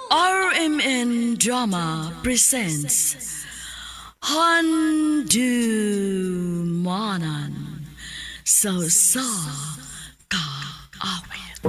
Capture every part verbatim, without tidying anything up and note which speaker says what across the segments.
Speaker 1: R M N Drama presents Handumanan So Sa Ka Awit.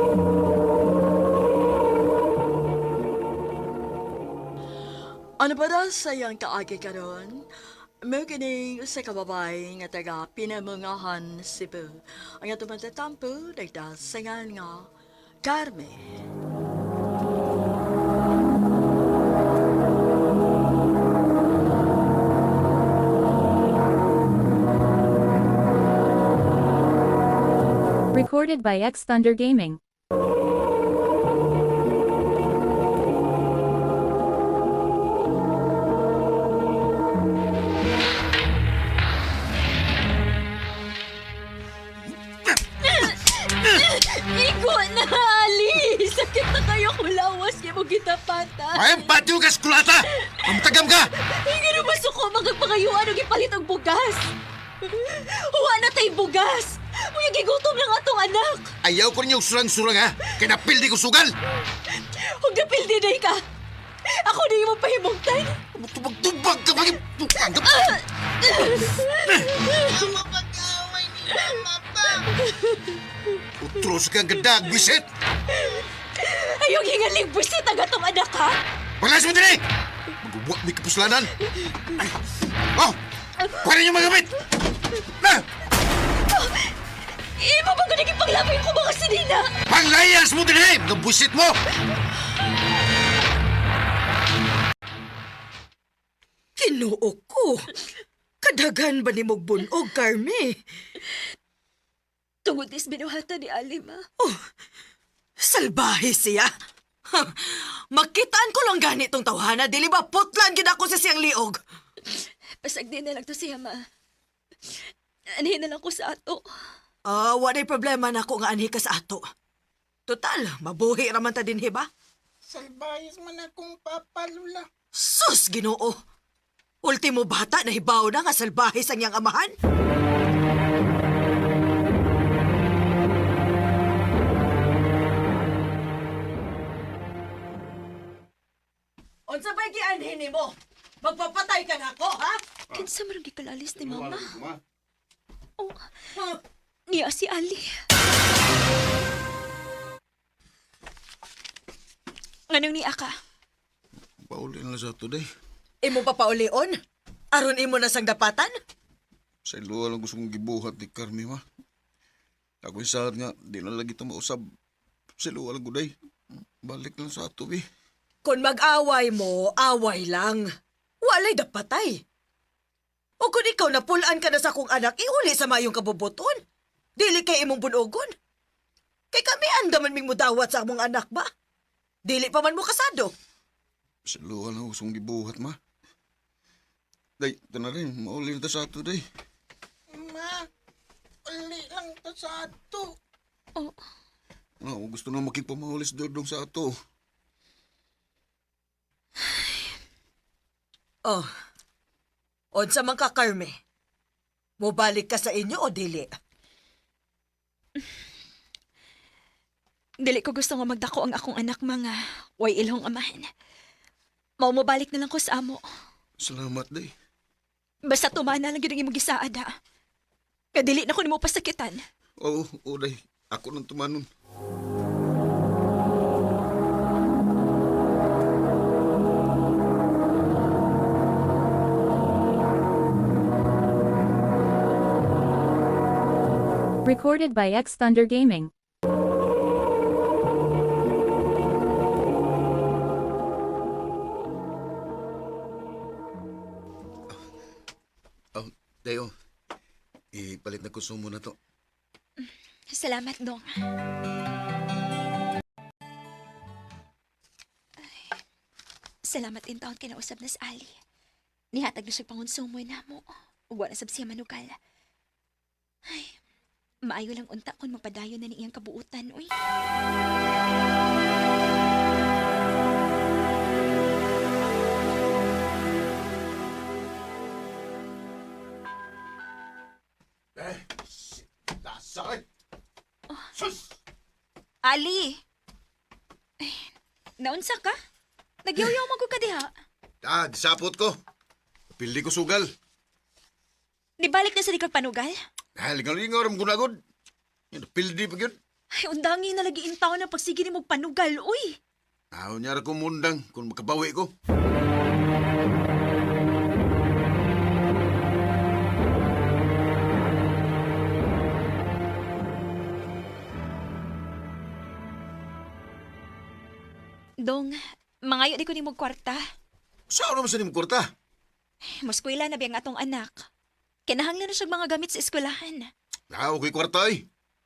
Speaker 1: Ano ba daw sayang kaagi karon? May kini sa kababay nga taga Pinamungahan, Cebu. Ang atong matatampo, nagdasangan nga Carmen.
Speaker 2: Recorded by X Thunder Gaming.
Speaker 3: Igo na, Ali! Sakit na kayo kulawas niya mo kita pata.
Speaker 4: Ay, patyo ka, skulata! Mamtagam ka!
Speaker 3: Hindi na masuko magpangayuan og ipalit og bugas. Huwa na tay bugas. Uy, gigutom lang atong anak.
Speaker 4: Ayaw ko ninyong surang-surang, ha? Kaya napildi ko sugal!
Speaker 3: Huwag napildi na ka. Ako na yung mapahimungtan.
Speaker 4: Tubag-tubag ka, pag ipukanggap!
Speaker 5: Mama, pag-away ni Mama pa.
Speaker 4: Utros kang gadag, bisit!
Speaker 3: Ayong hingaling busit ang atong anak, ha?
Speaker 4: Walas mo din eh! Magbubuak may kapuslanan! Ay. Oh! Kuha niyo magamit! Na!
Speaker 3: Imo ba ko naging paglapay ko mga sinina?
Speaker 4: Panglayas mo din eh! Mga busit mo!
Speaker 1: Kinuo ko. Kadagan ba ni mong bunog, Carmi?
Speaker 3: Tungod is binuhatan ni Ali, ma.
Speaker 1: Salbahe siya. Ha, makitaan ko lang ganitong tawhana, dili ba putlan gid ako sa siyang liog.
Speaker 3: Pasag din na lang to siya, ma. Anihin na lang ko sa ato.
Speaker 1: Ah, walay problema na ako nga anhi ka sa ato. Total, mabuhi raman ta dinhi ba?
Speaker 5: Salbayas man akong papalula.
Speaker 1: Sus, Ginoo. Ultimo bata na hibaw na nga salbahe sa niyang amahan. Unsa ba'y gianhin nimo? Magpapatay ka na ako, ha?
Speaker 3: Kinsa marang gikalalis ni mama? Oh, niya si Ali. Anong niya ka?
Speaker 4: Pauli na sa today.
Speaker 1: Imo pa paulion? Aron imo na sang dapatan?
Speaker 4: Sa iluwa lang gusto kong gibuhat ni Carmi, ma. Ako yung saad nga, di na lagi ito mausab. Sa iluwa lang guday. Balik lang sa ato, eh.
Speaker 1: Kung mag-away mo, away lang. Walay dapatay. O kung ikaw napulaan ka na sa kong anak, iuli sa mayong kabubuton. Dili kay imong bunogon. Kay kami andaman ming mudawat sa among anak ba? Dili pa man mo kasado.
Speaker 4: Sa iluwa lang gusto kong gibuhat, ma. Day, ito na rin. Mauli na ta sa ato, day.
Speaker 5: Ma, uli lang to sa ato.
Speaker 3: Oh,
Speaker 4: No, gusto na makipamahulis dodong sa ato.
Speaker 1: Oh, unsa man ka, Carme? Mobalik ka sa inyo o dili?
Speaker 3: dili ko gusto nga magdako ang akong anak mga way ilong amahan. Mao mo balik na lang ko sa amo.
Speaker 4: Salamat, day.
Speaker 3: Basta tumana lang yun ang imong gisaad, ha? Kadili na ko nimo pasakitan.
Speaker 4: Oo, oo, day. Ako nang tumanon.
Speaker 2: Recorded by X Thunder Gaming.
Speaker 4: Oh, day, oh. Ipalit na konsumo na to.
Speaker 3: Salamat, Dong. Ay, salamat in taon kinausap na sa Ali. Nihatag na siya pangonsumoy na mo. Uwa na sab siya manugal. Ay, maayo lang unta kung magpadayon na ni iyang kabuutan, uy.
Speaker 4: Eh, lasakit! Sus!
Speaker 3: Ali! Ay, naunsa ka? Nagyaw-yaw mo ko ka diha.
Speaker 4: Ah, disapot ko. Pildi ko sugal.
Speaker 3: Di balik na sa di kag panugal?
Speaker 4: Ah, lingaw-lingaw ram gunagod. Yan, pildi pa yun.
Speaker 3: Ay, undangi na lagi intaw na pagsige ni mo panugal, uy.
Speaker 4: Ayaw niya ra ko mundang kung makabawi ko.
Speaker 3: Dong, mangayo di ko ni mo kwarta.
Speaker 4: Saan naman sa nimong kwarta?
Speaker 3: Muskwela na biyang atong anak. Kinahanglan na siya mga gamit sa eskwelahan.
Speaker 4: Ah, okay kwarta eh.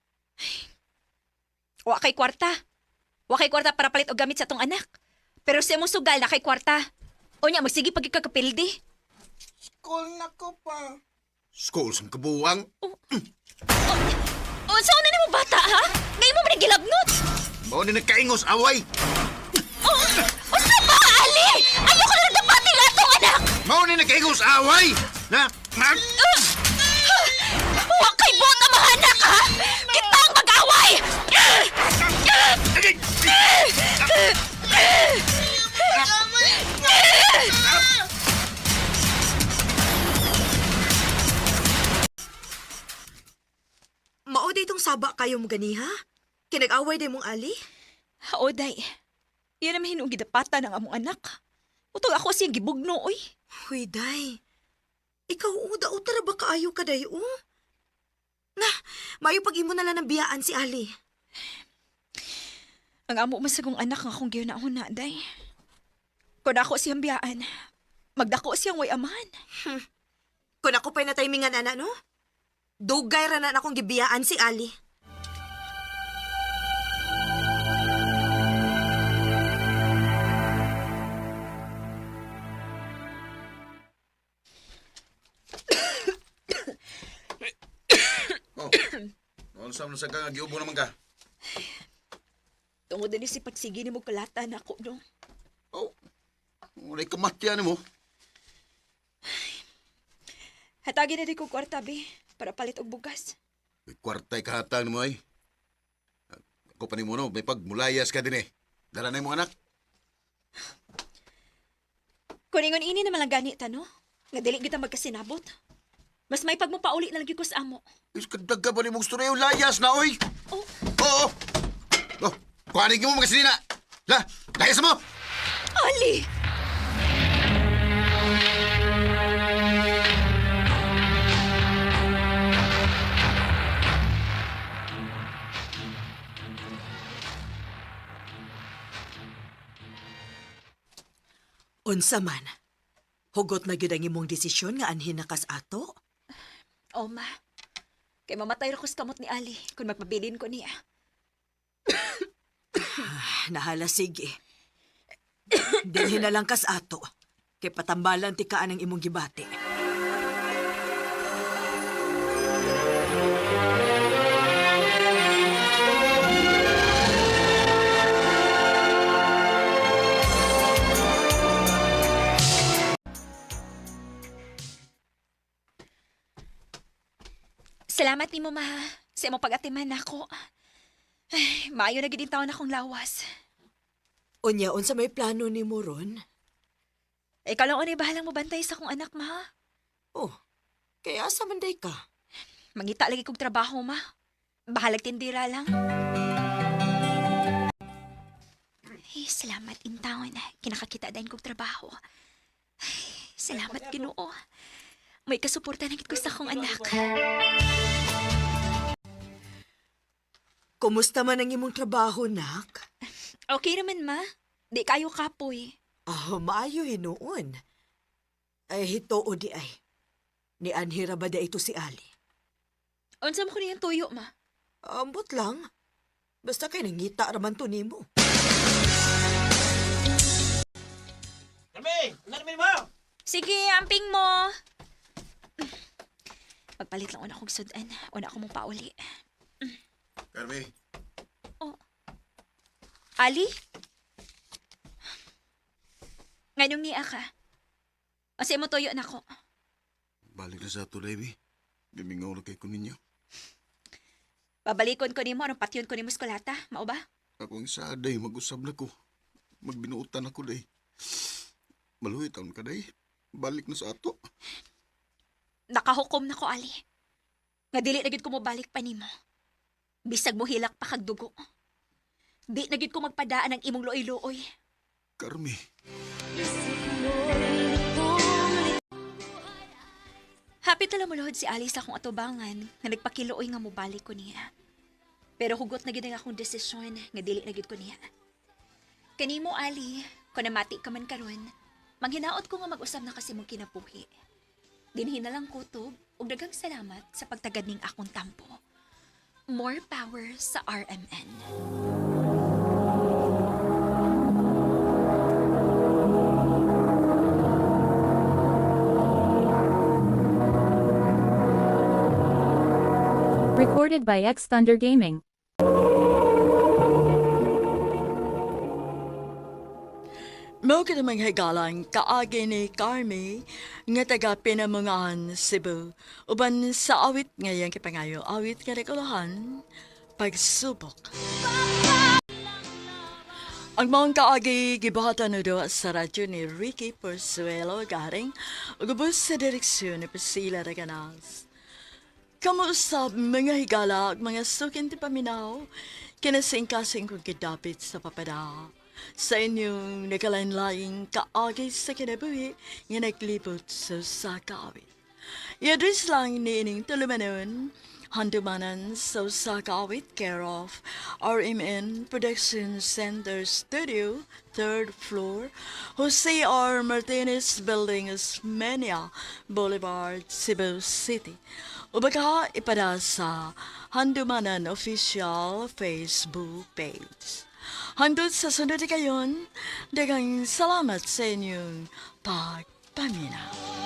Speaker 3: Wa kay kwarta. Wa kay kwarta para palit og gamit sa atong anak. Pero sa imong sugal na kay kwarta. O niya, magsige pag ikakapildi.
Speaker 5: School na ko pa.
Speaker 4: School sa kabuwang.
Speaker 3: O, saan na ni mo bata, ha? Ngayon mo man gilabnot.
Speaker 4: Mao ni nagkaingos away.
Speaker 3: O sa ba, Ali? Ayoko na nagdapati lang atong anak.
Speaker 4: Mao ni nagkaingos away. Na, na,
Speaker 3: Wa kay buot ang mga anak, ha? Kita ang mag-away!
Speaker 1: Mao day itong saba kayo mo gani ha? Kinag-away day mong ali?
Speaker 3: O, day. Yan naman hinong gidapata ng among anak. Utog ako siyang gibugno, oy.
Speaker 1: Huy, day. Ikaw uda-uda ba kaayo ka day, oh? Na, mayo pag-imo na lang ng biyaan si Ali.
Speaker 3: Ang amo man sa kong anak nga akong giyunahon na, day. Kung ako siyang biyaan, magdako siyang way amahan.
Speaker 1: Kung ako pa'y natimingan, ana, no? Dugay ra na akong gibiyaan si Ali.
Speaker 4: oh. Noon sa mga sagang giubo naman ka.
Speaker 3: Tungod din si pagsige ni mo kalatan ako, no?
Speaker 4: Oh. Walay kamatyan mo.
Speaker 3: Hatagin na di ko kwarta, be, para palit og bugas.
Speaker 4: May kwartay kahatang mo ay. Ako pa ni mo no, may pagmulayas ka din eh. Dala na yung mga anak.
Speaker 3: Kuningon ini naman lang ganit, no? Nga dili kita magkasinabot. Mas may pagmupauli na lagi ko sa amo.
Speaker 4: Is kadag ka ba ni mong storyo layas na oy?
Speaker 3: Oh,
Speaker 4: Oo. Oh, kuhanin mo mga sinina. La, layas mo.
Speaker 3: Ali!
Speaker 1: Unsa man? Hugot na gyud ang imong desisyon nga anhin na kas ato?
Speaker 3: O, ma. Kay mamatay ra ko sa kamot ni Ali kung magpabilin ko niya.
Speaker 1: Nahala sige. Dinhin na lang kas ato. Kay patambalan ti kaan ang imong gibati.
Speaker 3: Salamat ni mo, ma. Sa imong pag-atiman ako. Ay, maayo na gid taon akong lawas.
Speaker 1: Unya, unsa may plano ni mo ron?
Speaker 3: Ikaw lang unay bahalang mo bantay sa akong anak, ma.
Speaker 1: Oh, kaya asa man day ka?
Speaker 3: Mangita lagi kong trabaho, ma. Bahalag tindira lang. Ay, salamat in taon. Kinakakita din kong trabaho. Ay, salamat, Ginoo. May kasuporta na gid ko sa akong anak.
Speaker 1: Kumusta man ang imong trabaho, nak?
Speaker 3: Okay naman, ma. Di kayo kapoy.
Speaker 1: Ah, maayo hinuon. Ay, hitoo di ay. Ni Anhira ba da ito si Ali?
Speaker 3: Unsa mo ko niyang tuyo, ma?
Speaker 1: Ambot lang. Basta kay nangita raman to nimo.
Speaker 5: Kami! Namin mo!
Speaker 3: Sige, amping mo. Magpalit lang una akong sudan. Una ako mong pauli.
Speaker 4: Carmi,
Speaker 3: Ali? Ngayong niya ka. Kasi mo tuyo na ko.
Speaker 4: balik na sa ato, Davey. Bimingaw na kay ko ninyo.
Speaker 3: Babalikon ko nimo anong patyon ko nimo skolata. Mao ba?
Speaker 4: Ako ang isa, day, mag-usab na ko. Magbinuutan ako, day. Maluhi taon ka day. Balik na sa ato.
Speaker 3: Nakahukom na ko, Ali. Nga dili na gid ko mo balik pa nimo. Bisag mo hilak pa kag dugo. Di na gid ko magpadaan ang imong luoy-luoy.
Speaker 4: Carmi,
Speaker 3: Happy tala muluhod si Ali sa akong atubangan nga nagpakiluoy nga mobalik ko niya. Pero hugot na gid ang akong desisyon nga dili na gid ko niya. Kanimo, Ali, kung namati ka man karon, manghinaot ko nga mag-usab na kasi mong kinabuhi. Dinhin na lang kutob ug daghang salamat sa pagtagad ning akong tampo. More power sa R M N.
Speaker 2: Recorded by X Thunder Gaming.
Speaker 6: Mao ka namang higalang kaagi ni Carmi nga taga Pinamungahan, Cebu. Uban sa awit ngayang kipangayo, awit nga regulahan, pagsubok. Ang mga kaagi gibuhatan na do sa radyo ni Ricky Porzuelo garing ugubos sa direksyon ni Priscilla Reganas. Kamuusap mga higala at mga sukin ti paminaw, kinasing-kasing kong kidapit sa papada. Sa inyong nagalain-laing kaagay sa kinabuhi nga naglibot sa sakawit. Iadres lang ni ining tulumanon, handumanan sa sakawit care of R M N Production Center Studio, third floor, Jose R. Martinez Building, Osmeña Boulevard, Cebu City. Ubaga ipada sa Handumanan Official Facebook page. Handod sa sunod kayon, dagang salamat sa inyong pagpaminaw.